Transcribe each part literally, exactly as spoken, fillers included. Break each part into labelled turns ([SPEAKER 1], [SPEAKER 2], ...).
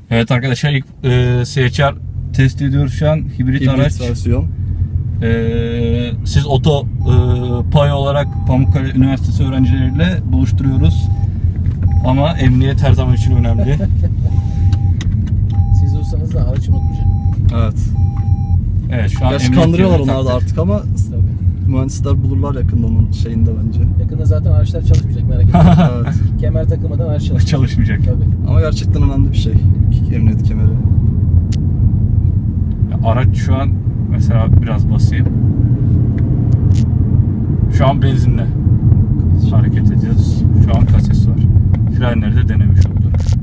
[SPEAKER 1] Evet arkadaşlar, ilk e, C H R test ediyoruz şu an. Hibrit,
[SPEAKER 2] Hibrit
[SPEAKER 1] araç.
[SPEAKER 2] versiyon.
[SPEAKER 1] E, siz oto e, pay olarak Pamukkale Üniversitesi öğrencileriyle buluşturuyoruz. Ama emniyet her zaman için önemli.
[SPEAKER 3] Siz olsanız da araç unutmayacak.
[SPEAKER 2] Evet.
[SPEAKER 1] Evet, şu an
[SPEAKER 2] Gerçi
[SPEAKER 1] emniyet
[SPEAKER 2] kandırıyorlar
[SPEAKER 1] yerine
[SPEAKER 2] onlar da
[SPEAKER 1] taktık.
[SPEAKER 2] artık ama
[SPEAKER 3] Tabii.
[SPEAKER 2] mühendisler bulurlar yakında onun şeyinde bence.
[SPEAKER 3] Yakında zaten araçlar çalışmayacak, merak etmeyin.
[SPEAKER 2] Evet.
[SPEAKER 3] Kemer takılmadan araç çalışmayacak.
[SPEAKER 1] Çalışmayacak.
[SPEAKER 3] Tabii.
[SPEAKER 2] Ama gerçekten önemli bir şey. Emniyet kemeri.
[SPEAKER 1] Ya, araç şu an mesela biraz basayım. Şu an benzinle hareket ediyoruz. Şu an kases var. Frenleri de denemiş olduk.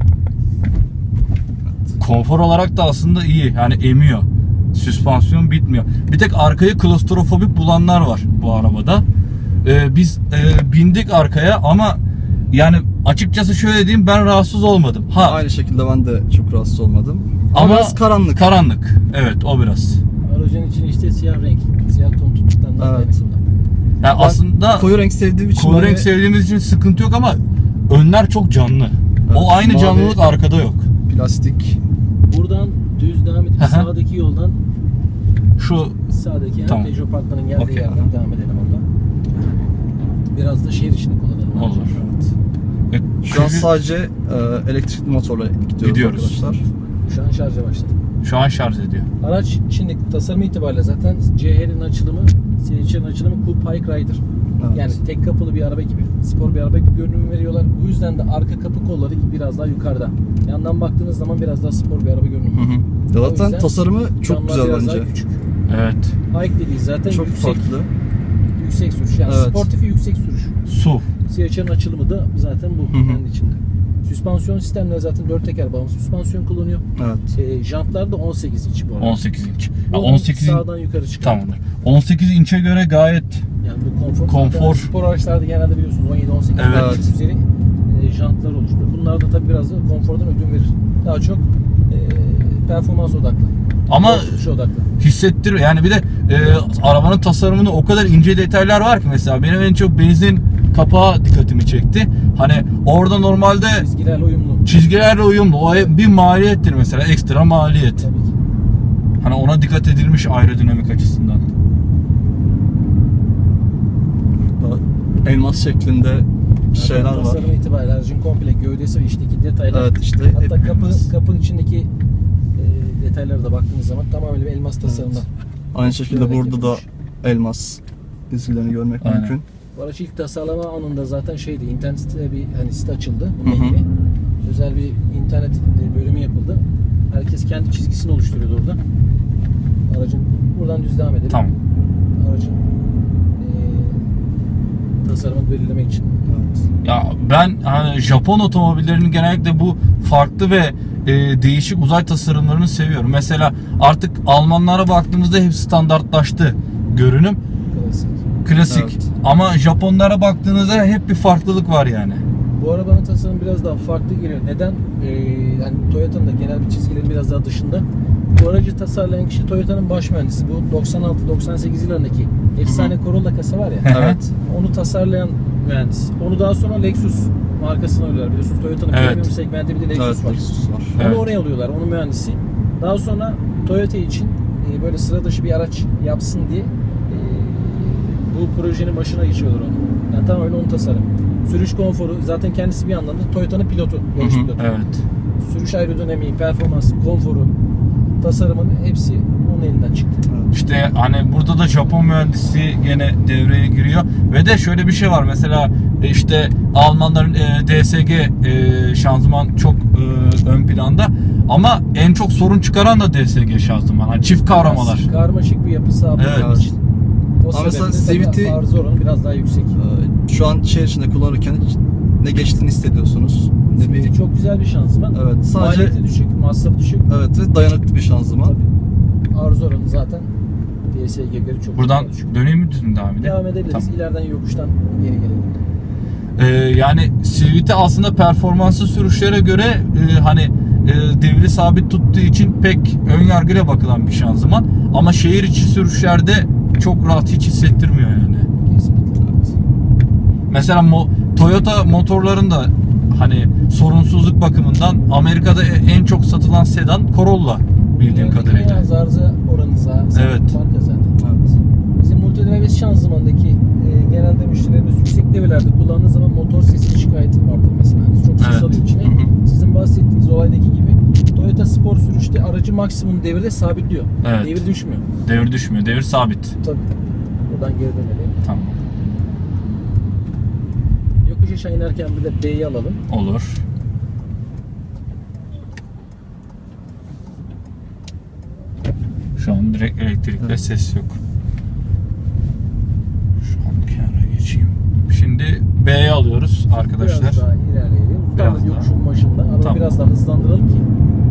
[SPEAKER 1] Konfor olarak da aslında iyi. Yani emiyor. Süspansiyon bitmiyor. Bir tek arkayı klostrofobik bulanlar var bu arabada. Ee, biz e, bindik arkaya ama yani açıkçası şöyle diyeyim, ben rahatsız olmadım. Ha,
[SPEAKER 2] Aynı şekilde ben de çok rahatsız olmadım. Ama,
[SPEAKER 1] ama
[SPEAKER 2] biraz karanlık.
[SPEAKER 1] Karanlık. Evet, o biraz.
[SPEAKER 3] Aracın için işte siyah renk, siyah ton tuttuklarından
[SPEAKER 2] Evet.
[SPEAKER 3] kaynaklanıyor.
[SPEAKER 1] Yani
[SPEAKER 2] Ben
[SPEAKER 1] aslında
[SPEAKER 2] koyu renk sevdiğim için
[SPEAKER 1] koyu
[SPEAKER 2] böyle
[SPEAKER 1] renk sevdiğimiz için sıkıntı yok ama önler çok canlı.
[SPEAKER 2] Evet,
[SPEAKER 1] O aynı
[SPEAKER 2] mavi.
[SPEAKER 1] canlılık arkada yok.
[SPEAKER 2] plastik.
[SPEAKER 3] Buradan düz devam edip
[SPEAKER 1] Hı hı.
[SPEAKER 3] sağdaki yoldan
[SPEAKER 1] Şu
[SPEAKER 3] sağdaki yani
[SPEAKER 1] Tamam.
[SPEAKER 3] Peugeot Parkları'nın geldiği
[SPEAKER 1] Okey.
[SPEAKER 3] yerden devam edelim oradan. Biraz da şehir içinde kullanalım.
[SPEAKER 1] Olur.
[SPEAKER 3] Evet.
[SPEAKER 1] e,
[SPEAKER 2] Şu an
[SPEAKER 1] çünkü
[SPEAKER 2] sadece e, elektrikli motorla gidiyoruz,
[SPEAKER 1] Gidiyoruz.
[SPEAKER 2] arkadaşlar.
[SPEAKER 3] Şu an şarja başladı.
[SPEAKER 1] şu an şarj ediyor.
[SPEAKER 3] Araç şimdi tasarım itibariyle zaten C H'nin açılımı, C H R'nin açılımı Coupe High Rider.
[SPEAKER 2] Evet.
[SPEAKER 3] Yani tek kapılı bir araba gibi, spor bir araba gibi görünüm veriyorlar. Bu yüzden de arka kapı kolları biraz daha yukarıda. Yandan baktığınız zaman biraz daha spor bir araba görünümü.
[SPEAKER 2] Hı hı. Ya
[SPEAKER 3] O
[SPEAKER 2] zaten
[SPEAKER 3] yüzden
[SPEAKER 2] tasarımı çok
[SPEAKER 3] camlar
[SPEAKER 2] güzel
[SPEAKER 3] biraz
[SPEAKER 2] bence.
[SPEAKER 3] daha küçük.
[SPEAKER 1] Evet.
[SPEAKER 3] High dediği zaten
[SPEAKER 2] Çok
[SPEAKER 3] yüksek,
[SPEAKER 2] farklı.
[SPEAKER 3] yüksek sürüş. Yani
[SPEAKER 2] Evet.
[SPEAKER 3] sportifi yüksek sürüş.
[SPEAKER 1] Su.
[SPEAKER 3] C H R'nin açılımı da zaten bu
[SPEAKER 2] Hı hı.
[SPEAKER 3] kendi içinde. Süspansiyon sistemleri zaten dört teker bağımsız süspansiyon kullanıyor.
[SPEAKER 2] Evet.
[SPEAKER 3] E, jantlar da on sekiz inç bu arada.
[SPEAKER 1] on sekiz inç. Ya
[SPEAKER 3] Yolun
[SPEAKER 1] on sekiz in-
[SPEAKER 3] sağdan yukarı çıkıyor.
[SPEAKER 1] Tamamdır. on sekiz inçe göre gayet
[SPEAKER 3] Yani bu konfor.
[SPEAKER 1] Konfor.
[SPEAKER 3] Zaten spor araçlarda genelde biliyorsunuz on yedi on sekiz
[SPEAKER 1] Evet.
[SPEAKER 3] üzeri e, jantlar oluşturuyor. Bunlar da tabii biraz da konfordan ödün verir. Daha çok e, performans odaklı.
[SPEAKER 1] ama
[SPEAKER 3] Yol tutuşu odaklı.
[SPEAKER 1] hissettiriyor. Yani bir de e, arabanın tasarımında o kadar ince detaylar var ki, mesela benim en çok benzin kapağı dikkatimi çekti. Hani orada normalde
[SPEAKER 3] Çizgilerle uyumlu.
[SPEAKER 1] çizgilerle uyumlu. O bir maliyettir mesela, ekstra maliyet.
[SPEAKER 3] Tabii ki.
[SPEAKER 1] Hani ona dikkat edilmiş aerodinamik açısından.
[SPEAKER 2] Elmas şeklinde şeyler
[SPEAKER 3] Zaten
[SPEAKER 2] var.
[SPEAKER 3] tasarım itibariyle aracın komple gövdesi ve içindeki detaylar.
[SPEAKER 2] Evet, işte
[SPEAKER 3] Hatta
[SPEAKER 2] hep
[SPEAKER 3] kapı
[SPEAKER 2] elmas.
[SPEAKER 3] kapının içindeki e, detaylara da baktığınız zaman tamamen bir elmas tasarımda.
[SPEAKER 2] Aynı şekilde
[SPEAKER 3] Görerek
[SPEAKER 2] burada da
[SPEAKER 3] yapılmış.
[SPEAKER 2] elmas izgilerini görmek
[SPEAKER 1] Aynen.
[SPEAKER 2] mümkün.
[SPEAKER 3] Bu araç ilk tasarlama anında zaten şeydi, internet sitede bir hani site açıldı
[SPEAKER 2] Hı
[SPEAKER 3] bununla
[SPEAKER 2] hı.
[SPEAKER 3] ilgili. Özel bir internet e, bölümü yapıldı. Herkes kendi çizgisini oluşturuyordu orada. Aracın buradan düz devam edelim.
[SPEAKER 1] Tamam.
[SPEAKER 3] Aracın e, tasarımını belirlemek için.
[SPEAKER 2] Evet.
[SPEAKER 1] Ya ben hani Japon otomobillerinin genellikle bu farklı ve e, değişik uzay tasarımlarını seviyorum. Mesela artık Almanlara baktığımızda hep standartlaştı görünüm.
[SPEAKER 3] Klasik.
[SPEAKER 1] Klasik.
[SPEAKER 2] Evet.
[SPEAKER 1] Ama Japonlara baktığınızda hep bir farklılık var yani.
[SPEAKER 3] Bu arabanın tasarımı biraz daha farklı geliyor. Neden? Ee, yani Toyota'nın da genel bir çizgilerin biraz daha dışında. Bu aracı tasarlayan kişi Toyota'nın baş mühendisi. Bu doksan altı doksan sekiz yıllarındaki efsane Corolla kasa var ya.
[SPEAKER 2] Evet.
[SPEAKER 3] Onu tasarlayan mühendis. Onu daha sonra Lexus markasına alıyorlar. Biliyorsunuz Toyota'nın
[SPEAKER 1] Evet.
[SPEAKER 3] premium segmenti bir de Lexus
[SPEAKER 2] Evet,
[SPEAKER 3] var.
[SPEAKER 2] Lexus var.
[SPEAKER 3] Onu
[SPEAKER 1] Evet.
[SPEAKER 3] oraya alıyorlar. Onun mühendisi. Daha sonra Toyota için e, böyle sıra dışı bir araç yapsın diye e, bu projenin başına geçiyorlar onu. Yani tamamen onun tasarım. Sürüş konforu zaten kendisi bir yandan da Toyota'nın pilotu, yarış
[SPEAKER 2] Hı hı.
[SPEAKER 3] pilotu.
[SPEAKER 1] Evet.
[SPEAKER 3] Sürüş aerodinamiği, performansı, konforu, tasarımın hepsi onun elinden çıktı.
[SPEAKER 1] İşte hani burada da Japon mühendisi gene devreye giriyor ve de şöyle bir şey var, mesela e, işte Almanların e, D S G e, şanzıman çok e, ön planda ama en çok sorun çıkaran da D S G şanzıman. Hani çift kavramalar.
[SPEAKER 3] Biraz karmaşık bir yapı sağladığı
[SPEAKER 1] Evet.
[SPEAKER 3] için. O
[SPEAKER 2] Ama mesela
[SPEAKER 3] sebeple tabii
[SPEAKER 2] C V T
[SPEAKER 3] arıza oranı biraz daha yüksek.
[SPEAKER 2] Ee, Şu an şehir içinde kullanırken hiç ne geçtiğini hissediyorsunuz. Ne
[SPEAKER 3] C V T
[SPEAKER 2] bir...
[SPEAKER 3] çok güzel bir şanzıman.
[SPEAKER 2] Evet, sadece-
[SPEAKER 3] Maliyeti düşük, masrafı düşük.
[SPEAKER 2] Evet ve dayanıklı bir şanzıman.
[SPEAKER 3] Tabii. Arıza oranı zaten D S G'ye göre çok
[SPEAKER 1] Buradan
[SPEAKER 3] daha düşük.
[SPEAKER 1] döneyim mi, düzgün devam edelim?
[SPEAKER 3] Devam edebiliriz.
[SPEAKER 1] Tamam.
[SPEAKER 3] İleriden yokuştan geri gelelim.
[SPEAKER 1] Ee, yani C V T aslında performanslı sürüşlere göre e, hani e, devri sabit tuttuğu için pek ön yargıyla bakılan bir şanzıman. Ama şehir içi sürüşlerde çok rahat, hiç hissettirmiyor yani.
[SPEAKER 3] Kesinlikle.
[SPEAKER 2] Evet.
[SPEAKER 1] Mesela mo- Toyota motorlarında hani sorunsuzluk bakımından Amerika'da en çok satılan sedan Corolla bildiğim
[SPEAKER 3] Genelde
[SPEAKER 1] kadarıyla.
[SPEAKER 3] yine arıza oranı zaten.
[SPEAKER 1] Evet.
[SPEAKER 3] Marka zaten.
[SPEAKER 2] Evet.
[SPEAKER 3] Bizim multidrive şanzımandaki e, genelde müşterilerimiz yüksek devirlerde kullandığı zaman motor sesi şikayeti vardır mesela. Yani çok ses
[SPEAKER 1] Evet.
[SPEAKER 3] alıyor içine.
[SPEAKER 2] Hı hı.
[SPEAKER 3] Sizin bahsettiğiniz olaydaki gibi Toyota Spor sürüşte aracı maksimum devirde sabitliyor.
[SPEAKER 1] Evet.
[SPEAKER 3] Devir düşmüyor.
[SPEAKER 1] Devir düşmüyor, devir sabit.
[SPEAKER 3] Tabii. Buradan geri dönelim.
[SPEAKER 1] Tamam.
[SPEAKER 3] Yokuş aşağı inerken bir de B'yi alalım.
[SPEAKER 1] Olur. Şu an direkt elektrikle
[SPEAKER 2] Evet.
[SPEAKER 1] ses yok. Şu an kenara geçeyim. Şimdi B'ye alıyoruz arkadaşlar.
[SPEAKER 3] Biraz daha ilerleyelim.
[SPEAKER 1] Biraz
[SPEAKER 3] Tam
[SPEAKER 1] daha.
[SPEAKER 3] yokuşun başında. Ama
[SPEAKER 1] Tamam.
[SPEAKER 3] biraz daha hızlandıralım ki.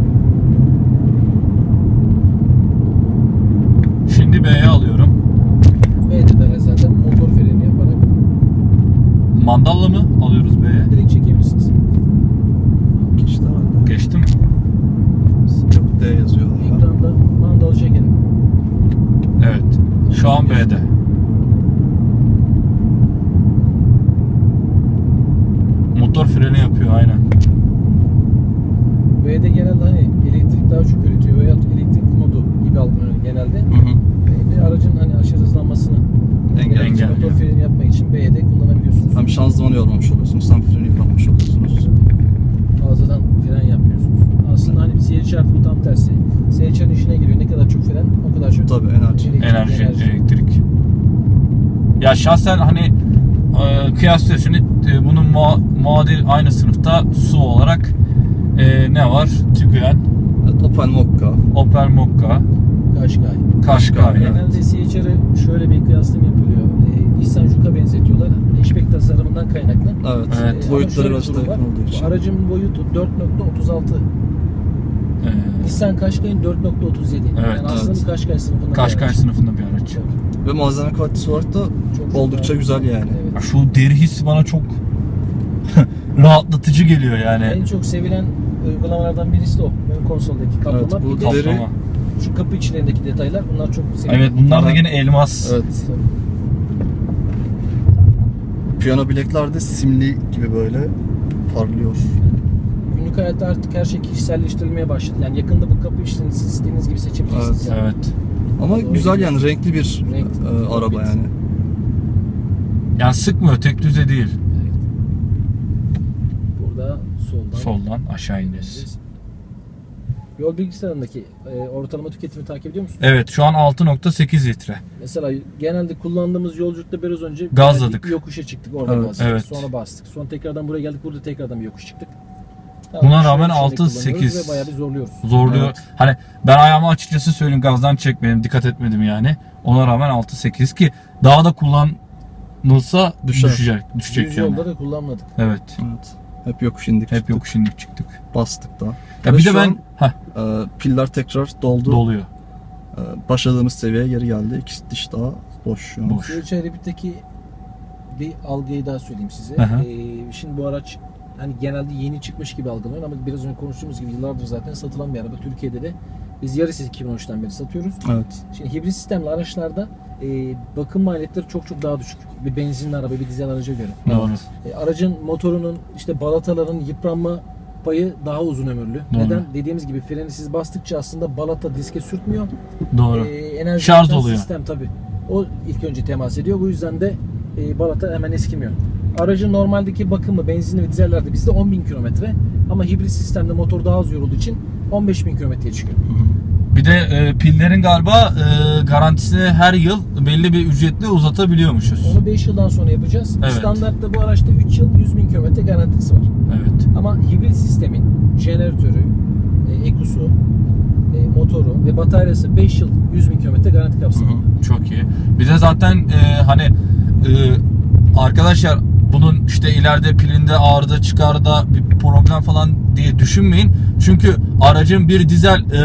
[SPEAKER 1] Şimdi B'ye alıyorum.
[SPEAKER 3] B'de de zaten motor freni yaparak
[SPEAKER 1] Mandalla mı alıyoruz B'ye?
[SPEAKER 3] direkt çekebilirsiniz.
[SPEAKER 2] Geçti herhalde.
[SPEAKER 1] Geçti mi?
[SPEAKER 2] Yok, D yazıyor. orada.
[SPEAKER 3] Ekranda mandalı çekelim.
[SPEAKER 1] Evet. Şu an B'de. Motor freni yapıyor aynen.
[SPEAKER 3] B'de genelde hani elektrik daha çok üretiyor veya elektrik modu gibi algılanıyor genelde.
[SPEAKER 2] Hı hı.
[SPEAKER 3] B'de aracın hani aşırı hızlanmasını
[SPEAKER 2] Engelleyici.
[SPEAKER 3] engelleyici motor freni yapmak için B'de kullanabiliyorsunuz.
[SPEAKER 2] Hem şanzımanı yormamış oluyorsunuz, hem freni yormamış oluyorsunuz.
[SPEAKER 3] Fazladan fren yapmıyorsunuz. Aslında hani C H R bu tam tersi. C H R'ın işine giriyor. Ne kadar çok fren o kadar çok
[SPEAKER 2] Tabii, enerji.
[SPEAKER 3] elektrik,
[SPEAKER 1] Enerji, elektrik. Ya şahsen hani e, kıyaslıyor şimdi e, bunun mua- muadil aynı sınıfta S U V olarak e, ne var? Tiguan,
[SPEAKER 2] Evet, Opel Mokka.
[SPEAKER 1] Opel Mokka,
[SPEAKER 3] Qashqai.
[SPEAKER 1] Qashqai.
[SPEAKER 2] Evet.
[SPEAKER 3] Genelde C H R'ı şöyle bir kıyaslama yapılıyor. Ee, Nissan Juke'a benzetiyorlar. Hatchback tasarımından kaynaklı.
[SPEAKER 2] Evet.
[SPEAKER 1] Evet.
[SPEAKER 3] Ee, ama
[SPEAKER 2] Boyutları
[SPEAKER 3] şöyle bir
[SPEAKER 2] biraz da
[SPEAKER 3] durum var.
[SPEAKER 2] yakın olduğu için.
[SPEAKER 3] Bu aracın boyutu dört nokta otuz altı.
[SPEAKER 1] E,
[SPEAKER 3] Nissan Qashqai'nin dört nokta otuz yedi.
[SPEAKER 1] Evet,
[SPEAKER 3] Yani aslında
[SPEAKER 2] evet.
[SPEAKER 3] bir Qashqai sınıfında. bir
[SPEAKER 1] Qashqai
[SPEAKER 3] araç.
[SPEAKER 1] sınıfında bir araç.
[SPEAKER 3] Tabii.
[SPEAKER 2] Ve malzeme kalitesi olarak da
[SPEAKER 3] Çok, çok
[SPEAKER 2] oldukça
[SPEAKER 3] daha-
[SPEAKER 2] güzel yani.
[SPEAKER 3] Evet.
[SPEAKER 1] Ya şu deri hissi bana çok rahatlatıcı geliyor yani.
[SPEAKER 3] En çok sevilen uygulamalardan birisi de o. Ön konsoldaki kaplama.
[SPEAKER 2] Evet, bu
[SPEAKER 3] bir de
[SPEAKER 2] deri-
[SPEAKER 1] Kaplama.
[SPEAKER 3] şu kapı içlerindeki detaylar bunlar çok sevilen.
[SPEAKER 1] Evet bunlar da
[SPEAKER 2] Bunlar-
[SPEAKER 1] gene elmas.
[SPEAKER 2] Evet. Piyano bilekler de simli gibi böyle parlıyor.
[SPEAKER 3] Günlük hayatta artık her şey kişiselleştirilmeye başladı. Yani yakında bu kapı işlerini siz istediğiniz gibi seçebilirsiniz.
[SPEAKER 2] Evet,
[SPEAKER 3] yani.
[SPEAKER 1] Evet.
[SPEAKER 2] Ama
[SPEAKER 3] Doğru.
[SPEAKER 2] güzel yani, renkli bir
[SPEAKER 3] Renk-
[SPEAKER 2] e, araba
[SPEAKER 3] Evet.
[SPEAKER 2] yani.
[SPEAKER 1] Yani sıkmıyor, tek düze değil.
[SPEAKER 3] Evet. Burada soldan
[SPEAKER 1] Soldan aşağı ineceğiz.
[SPEAKER 3] Yol bilgisayarındaki e, ortalama tüketimi takip ediyor musun?
[SPEAKER 1] Evet şu an altı nokta sekiz litre.
[SPEAKER 3] Mesela genelde kullandığımız yolculukta biraz önce
[SPEAKER 1] Gazladık.
[SPEAKER 3] geldik, bir yokuşa çıktık, orada
[SPEAKER 2] Evet,
[SPEAKER 3] bastık,
[SPEAKER 1] evet.
[SPEAKER 3] sonra bastık. Sonra tekrardan buraya geldik, burada tekrardan bir yokuş çıktık.
[SPEAKER 1] Buna
[SPEAKER 3] şu
[SPEAKER 1] rağmen
[SPEAKER 3] an
[SPEAKER 1] altı,
[SPEAKER 3] kullanıyoruz
[SPEAKER 1] sekiz.
[SPEAKER 3] ve bayağı bir zorluyoruz.
[SPEAKER 1] Zorluyor.
[SPEAKER 2] Evet.
[SPEAKER 1] Hani ben ayağımı açıkçası söyleyeyim gazdan çekmedim, dikkat etmedim yani. Ona rağmen altı sekiz ki daha da kullanılsa
[SPEAKER 2] Düşer.
[SPEAKER 1] düşecek, düşecek
[SPEAKER 3] Düz
[SPEAKER 1] yani.
[SPEAKER 3] yolda da kullanmadık.
[SPEAKER 1] Evet.
[SPEAKER 2] Evet. Hep yokuş indik.
[SPEAKER 1] Hep
[SPEAKER 2] çıktık,
[SPEAKER 1] yokuş indik çıktık.
[SPEAKER 2] bastık da.
[SPEAKER 1] Ya
[SPEAKER 2] Ve
[SPEAKER 1] bir de
[SPEAKER 2] şu
[SPEAKER 1] ben
[SPEAKER 2] an,
[SPEAKER 1] heh,
[SPEAKER 2] e, piller tekrar doldu.
[SPEAKER 1] doluyor.
[SPEAKER 2] E, başladığımız seviyeye geri geldi. İki diş daha boş şu an.
[SPEAKER 1] Boş.
[SPEAKER 3] C H R Rabbit'teki bir algıyı daha söyleyeyim size.
[SPEAKER 1] Hı hı.
[SPEAKER 3] Ee, şimdi bu araç hani genelde yeni çıkmış gibi algılanıyor ama biraz önce konuştuğumuz gibi yıllardır zaten satılan bir araba. Türkiye'de de biz Yaris iki bin on üçten beri satıyoruz.
[SPEAKER 2] Evet.
[SPEAKER 3] Şimdi hibrit sistemli araçlarda e, bakım maliyetleri çok çok daha düşük. Bir benzinli araba, bir dizel araca göre.
[SPEAKER 1] Doğru.
[SPEAKER 3] E, aracın motorunun, işte balataların yıpranma payı daha uzun ömürlü.
[SPEAKER 1] Doğru.
[SPEAKER 3] Neden? Dediğimiz gibi freni siz bastıkça aslında balata diske sürtmüyor.
[SPEAKER 1] Doğru.
[SPEAKER 3] E, enerji
[SPEAKER 1] Şarj
[SPEAKER 3] üreten
[SPEAKER 1] oluyor.
[SPEAKER 3] Sistem tabii. O ilk önce temas ediyor. Bu yüzden de e, balata hemen eskimiyor. Aracın normaldeki bakımı benzinli ve dizellerde bizde on bin kilometre ama hibrit sistemde motor daha az yorulduğu için on beş bin kilometreye çıkıyor.
[SPEAKER 1] Bir de e, pillerin galiba e, garantisini her yıl belli bir ücretle uzatabiliyormuşuz.
[SPEAKER 3] Onu beş yıldan sonra yapacağız.
[SPEAKER 1] Evet.
[SPEAKER 3] Standartta bu araçta üç yıl yüz bin kilometre garantisi var.
[SPEAKER 1] Evet.
[SPEAKER 3] Ama hibrit sistemin jeneratörü, e, ekusu, e, motoru ve bataryası beş yıl yüz bin kilometre garanti kapsamında.
[SPEAKER 1] Çok iyi. Bir de zaten e, hani e, arkadaşlar bunun işte ileride pilinde ağrıda çıkarda bir problem falan diye düşünmeyin. Çünkü aracın bir dizel e,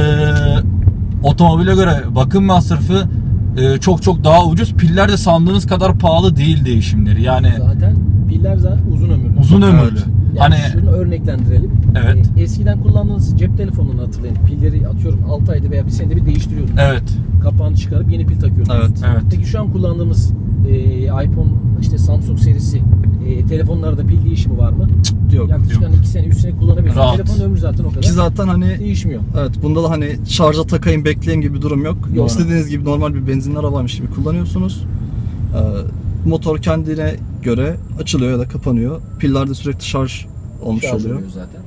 [SPEAKER 1] otomobile göre bakım masrafı e, çok çok daha ucuz. Piller de sandığınız kadar pahalı değil değişimleri. Yani
[SPEAKER 3] Zaten piller zaten uzun ömürlü.
[SPEAKER 1] uzun ömürlü.
[SPEAKER 2] Evet.
[SPEAKER 3] Yani
[SPEAKER 1] Hani
[SPEAKER 3] şunu örneklendirelim.
[SPEAKER 1] Evet.
[SPEAKER 3] E, eskiden kullandığınız cep telefonunu hatırlayın. Pilleri atıyorum altı ayda veya bir senede bir değiştiriyordunuz.
[SPEAKER 1] evet.
[SPEAKER 3] Kapağını çıkarıp yeni pil takıyordunuz.
[SPEAKER 2] Evet.
[SPEAKER 1] Evet.
[SPEAKER 3] Peki şu an kullandığımız e, iPhone, işte Samsung serisi e, telefonlarda pil değişimi var mı?
[SPEAKER 2] Yok.
[SPEAKER 3] Yaklaşık
[SPEAKER 1] yok.
[SPEAKER 3] hani iki sene, üç sene kullanabiliyorsun.
[SPEAKER 1] Rahat.
[SPEAKER 3] Telefonun ömrü zaten o kadar.
[SPEAKER 2] Ki zaten hani
[SPEAKER 3] Değişmiyor.
[SPEAKER 2] evet, bunda da hani şarja takayım bekleyeyim gibi bir durum yok.
[SPEAKER 3] Doğru.
[SPEAKER 2] İstediğiniz gibi normal bir benzinli arabaymış gibi kullanıyorsunuz. Ee, motor kendine göre açılıyor ya da kapanıyor. Piller de sürekli şarj olmuş
[SPEAKER 3] Şarj
[SPEAKER 2] oluyor.
[SPEAKER 3] oluyor zaten.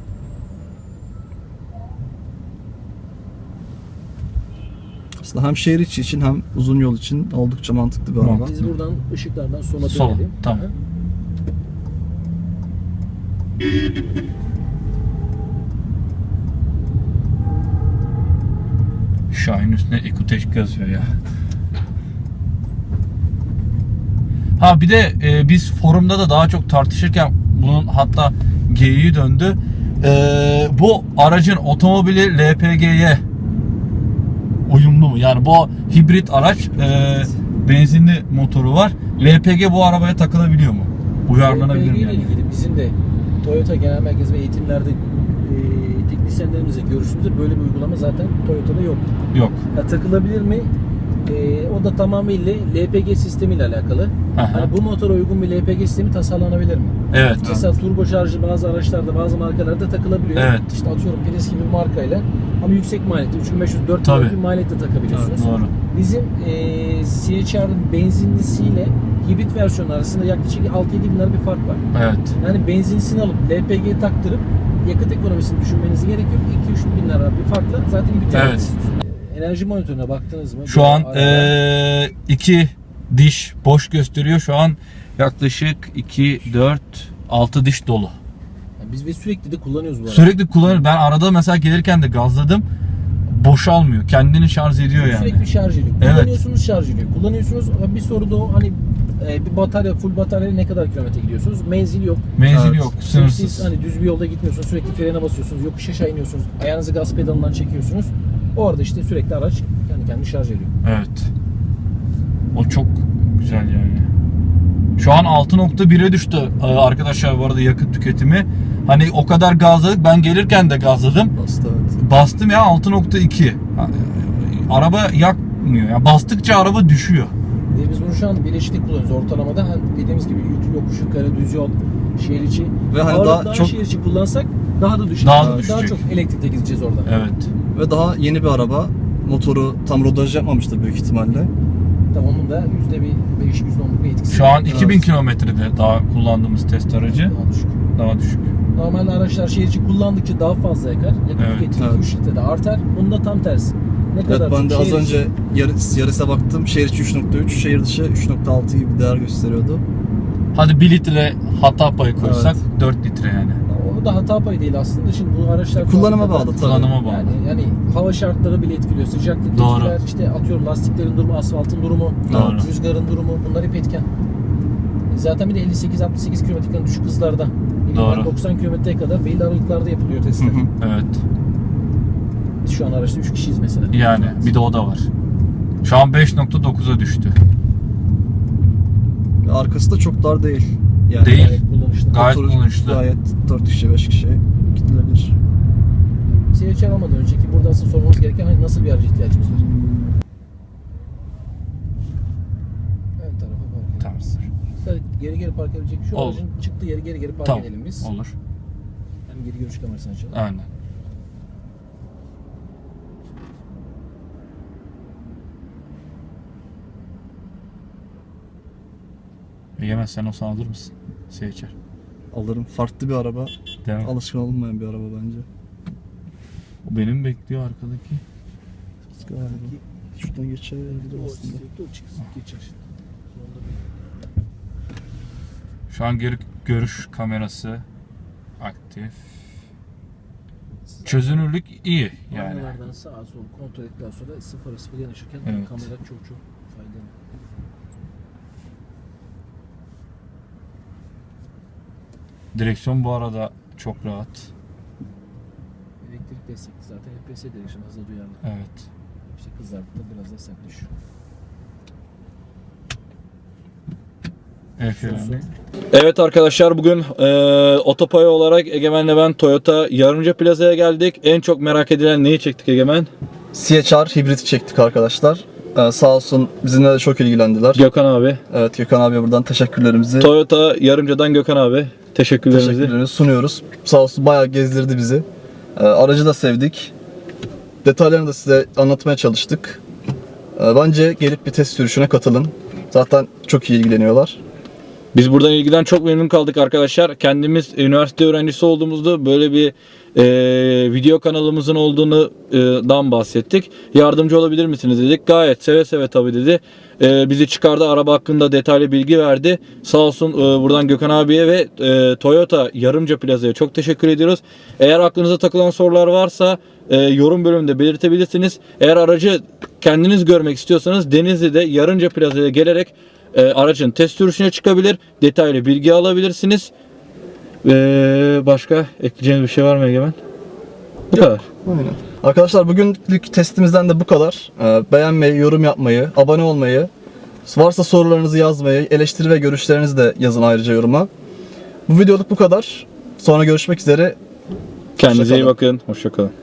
[SPEAKER 2] Aslında hem şehir içi için hem uzun yol için oldukça mantıklı bir araba.
[SPEAKER 1] Mantıklı.
[SPEAKER 3] Biz buradan ışıklardan sola
[SPEAKER 1] Sola,
[SPEAKER 3] dönelim.
[SPEAKER 1] tamam.
[SPEAKER 3] Aha.
[SPEAKER 1] Şahin üstüne Ekuteş yazıyor ya. Ha bir de e, biz forumda da daha çok tartışırken bunun hatta geyiği döndü. E, bu aracın otomobili L P G'ye uyumlu mu? Yani bu hibrit araç e, benzinli motoru var. L P G bu arabaya takılabiliyor mu? Uyarlanabilir mi
[SPEAKER 3] L P G ile
[SPEAKER 1] yani?
[SPEAKER 3] ilgili bizim de Toyota Genel Merkezi ve eğitimlerde e, teknisyenlerimizle görüştüğümüzde böyle bir uygulama zaten Toyota'da yok.
[SPEAKER 1] Yok.
[SPEAKER 3] Ya, takılabilir mi? E, o da tamamıyla L P G sistemiyle alakalı.
[SPEAKER 1] Aha.
[SPEAKER 3] Hani bu motora uygun bir L P G sistemi tasarlanabilir mi?
[SPEAKER 1] Evet.
[SPEAKER 3] Mesela turbo şarjı bazı araçlarda, bazı markalarda takılabiliyor.
[SPEAKER 1] Evet.
[SPEAKER 3] İşte atıyorum Prius gibi bir markayla ama yüksek maliyette üç bin beş yüz dört
[SPEAKER 1] Tabii.
[SPEAKER 3] bin bir maliyette takabiliyorsunuz.
[SPEAKER 1] Evet, doğru.
[SPEAKER 3] Bizim e, C H R'ın benzinlisiyle hibrit versiyonu arasında yaklaşık altı yedi bin lira bir fark var.
[SPEAKER 1] Evet.
[SPEAKER 3] Yani benzinlisini alıp L P G'ye taktırıp yakıt ekonomisini düşünmenize gerek yok. iki üç bin lira bir farkla zaten hibrit
[SPEAKER 1] Evet.
[SPEAKER 3] yapıyorsunuz. Enerji monitörüne baktınız mı?
[SPEAKER 1] Şu
[SPEAKER 3] Bu
[SPEAKER 1] an
[SPEAKER 3] arada-
[SPEAKER 1] e, iki diş boş gösteriyor. Şu an yaklaşık iki, dört, altı diş dolu.
[SPEAKER 3] Yani biz ve sürekli de kullanıyoruz bu arada.
[SPEAKER 1] Sürekli kullanıyorum. Ben arada mesela gelirken de gazladım. Boşalmıyor. Kendini şarj ediyor yani.
[SPEAKER 3] Sürekli şarj ediyor.
[SPEAKER 1] Evet.
[SPEAKER 3] Kullanıyorsunuz, şarj ediyor. Kullanıyorsunuz. Bir soru da o, hani e, bir batarya, full batarya ne kadar kilometre gidiyorsunuz? Menzil yok.
[SPEAKER 1] Menzil
[SPEAKER 2] Evet.
[SPEAKER 1] yok.
[SPEAKER 3] Siz
[SPEAKER 1] Sınırsız.
[SPEAKER 3] hani düz bir yolda gitmiyorsunuz. Sürekli frene basıyorsunuz. Yokuş aşağı iniyorsunuz. Ayağınızı gaz pedalından çekiyorsunuz. Orada işte sürekli araç kendi kendini şarj ediyor.
[SPEAKER 1] Evet. O çok güzel yani. Şu an altı nokta bire düştü Ee, arkadaşlar bu arada yakıt tüketimi. Hani o kadar gazladık. Ben gelirken de gazladım.
[SPEAKER 2] Aslında evet.
[SPEAKER 1] Bastım ya altı nokta iki. Araba yakmıyor. Yani bastıkça araba düşüyor.
[SPEAKER 3] Ve biz bunu şu an bileşikli kullanıyoruz ortalamada. Hani dediğimiz gibi yük- yokuş yukarı, düz yol, şehir içi.
[SPEAKER 2] Ve hani
[SPEAKER 3] Ağırlık
[SPEAKER 2] daha çok-
[SPEAKER 3] şehir içi kullansak daha da düşecek.
[SPEAKER 1] Daha da
[SPEAKER 3] Daha
[SPEAKER 1] düşecek.
[SPEAKER 3] çok elektrikle gideceğiz oradan.
[SPEAKER 1] Evet.
[SPEAKER 2] Ve daha yeni bir araba. Motoru tam rodaj yapmamıştır büyük ihtimalle.
[SPEAKER 3] Tabii onun da yüzde bir beş, yüzde onluk bir etkisi.
[SPEAKER 1] Şu an
[SPEAKER 2] Evet.
[SPEAKER 1] iki bin kilometrede daha kullandığımız test aracı.
[SPEAKER 3] Daha düşük.
[SPEAKER 1] Daha düşük.
[SPEAKER 3] Normalde araçlar şehir içi kullandıkça daha fazla yakar. Yakıt
[SPEAKER 1] Evet,
[SPEAKER 3] tüketimi
[SPEAKER 2] evet.
[SPEAKER 3] üç litrede artar. Bunda tam tersi. Ne kadar
[SPEAKER 2] Evet, ben
[SPEAKER 3] çok
[SPEAKER 2] de az
[SPEAKER 3] şehir
[SPEAKER 2] önce
[SPEAKER 3] içi-
[SPEAKER 2] yarı, yarısa baktım. Şehir içi üç nokta üç, şehir dışı üç nokta altı gibi bir değer gösteriyordu.
[SPEAKER 1] Hadi bir litre hata payı koysak
[SPEAKER 2] Evet.
[SPEAKER 1] dört litre yani.
[SPEAKER 3] O da hata payı değil aslında. Şimdi bu araçlar
[SPEAKER 2] Kullanıma
[SPEAKER 3] fabrikada-
[SPEAKER 2] bağlı tabii.
[SPEAKER 1] Kullanıma bağlı.
[SPEAKER 3] Yani, yani hava şartları bile etkiliyor. Sıcaklık
[SPEAKER 1] Doğru.
[SPEAKER 3] etkiler, işte atıyorum lastiklerin durumu, asfaltın durumu,
[SPEAKER 1] Doğru.
[SPEAKER 3] rüzgarın durumu, bunlar hep etken. E Zaten bir de elli sekiz altmış sekiz kilometrelik düşük hızlarda.
[SPEAKER 1] Doğru.
[SPEAKER 3] doksan kilometreye kadar belli aralıklarda yapılıyor testler.
[SPEAKER 2] Hı hı.
[SPEAKER 1] Evet.
[SPEAKER 3] Biz şu an araçta üç kişiyiz mesela.
[SPEAKER 1] Yani bir de o da var. Şu an beş nokta dokuza düştü.
[SPEAKER 2] Ve arkası da çok dar değil. Yani
[SPEAKER 1] Değil.
[SPEAKER 3] Gayet kullanışlı.
[SPEAKER 1] Gayet
[SPEAKER 2] motoru
[SPEAKER 1] kullanışlı.
[SPEAKER 2] Gayet dört kişi beş kişi gidilebilir.
[SPEAKER 3] C H R almadan önceki burada asıl sormamız gereken hani nasıl bir araca ihtiyacımız var? Ön tarafa park edelim.
[SPEAKER 1] Tamam.
[SPEAKER 3] Sadece Geri geri park edebilecek. Şu
[SPEAKER 1] Olur.
[SPEAKER 3] aracın çıktığı yeri geri geri park
[SPEAKER 1] Tamam.
[SPEAKER 3] edelim biz.
[SPEAKER 1] Olur.
[SPEAKER 3] Hem geri görüş kamerasını açalım.
[SPEAKER 1] Aynen. Egemen sen olsan alır mısın? Seçer.
[SPEAKER 2] Alırım. Farklı bir araba.
[SPEAKER 1] Değil mi?
[SPEAKER 2] Alışkın olunmayan bir araba bence.
[SPEAKER 1] O benim bekliyor arkadaki.
[SPEAKER 2] Galiba. Şuradan geçebilir
[SPEAKER 3] O
[SPEAKER 2] aslında.
[SPEAKER 3] sürekli o çıksın, geçer şimdi. Sonunda bir-
[SPEAKER 1] Şu an geri görüş kamerası aktif. Çözünürlük iyi yani.
[SPEAKER 3] Aynalardan sağa sola kontrol ettikten sonra sıfıra sıfır yanaşırken
[SPEAKER 1] Evet.
[SPEAKER 3] kamera çok çok faydalı.
[SPEAKER 1] Direksiyon bu arada çok rahat.
[SPEAKER 3] Elektrik destekli zaten H P S direksiyon hızla duyarlı.
[SPEAKER 1] Evet.
[SPEAKER 3] İşte kızarttı biraz da sert düşüyor. Evet arkadaşlar bugün e, Otopay olarak Egemen'le ben Toyota Yarımca Plaza'ya geldik. En çok merak edilen neyi çektik Egemen?
[SPEAKER 2] C H R hibriti çektik arkadaşlar. Ee, sağ olsun bizimle de çok ilgilendiler.
[SPEAKER 1] Gökhan abi.
[SPEAKER 2] Evet, Gökhan abiye buradan teşekkürlerimizi
[SPEAKER 1] Toyota Yarımca'dan Gökhan abi. Teşekkürlerimizi.
[SPEAKER 2] teşekkürlerimizi sunuyoruz. Sağ olsun bayağı gezdirdi bizi. Ee, aracı da sevdik. Detaylarını da size anlatmaya çalıştık. Ee, bence gelip bir test sürüşüne katılın. Zaten çok iyi ilgileniyorlar.
[SPEAKER 1] Biz buradan ilgiden çok memnun kaldık arkadaşlar. Kendimiz üniversite öğrencisi olduğumuzda böyle bir e, video kanalımızın olduğunu e, dan bahsettik. Yardımcı olabilir misiniz dedik. Gayet seve seve tabii dedi. E, bizi çıkardı, araba hakkında detaylı bilgi verdi. Sağ olsun e, buradan Gökhan abiye ve e, Toyota Yarımca Plaza'ya çok teşekkür ediyoruz. Eğer aklınıza takılan sorular varsa e, yorum bölümünde belirtebilirsiniz. Eğer aracı kendiniz görmek istiyorsanız Denizli'de Yarımca Plaza'ya gelerek E, aracın test sürüşüne çıkabilir, detaylı bilgi alabilirsiniz. Ve başka ekleyeceğiniz bir şey var mı Egemen? Bu kadar.
[SPEAKER 2] Aynen. Arkadaşlar bugünlük testimizden de bu kadar. Ee, beğenmeyi, yorum yapmayı, abone olmayı, varsa sorularınızı yazmayı, eleştiri ve görüşlerinizi de yazın ayrıca yoruma. Bu videoluk bu kadar. Sonra görüşmek üzere.
[SPEAKER 1] Kendinize iyi
[SPEAKER 2] Hoşça kalın.
[SPEAKER 1] bakın. Hoşça kalın.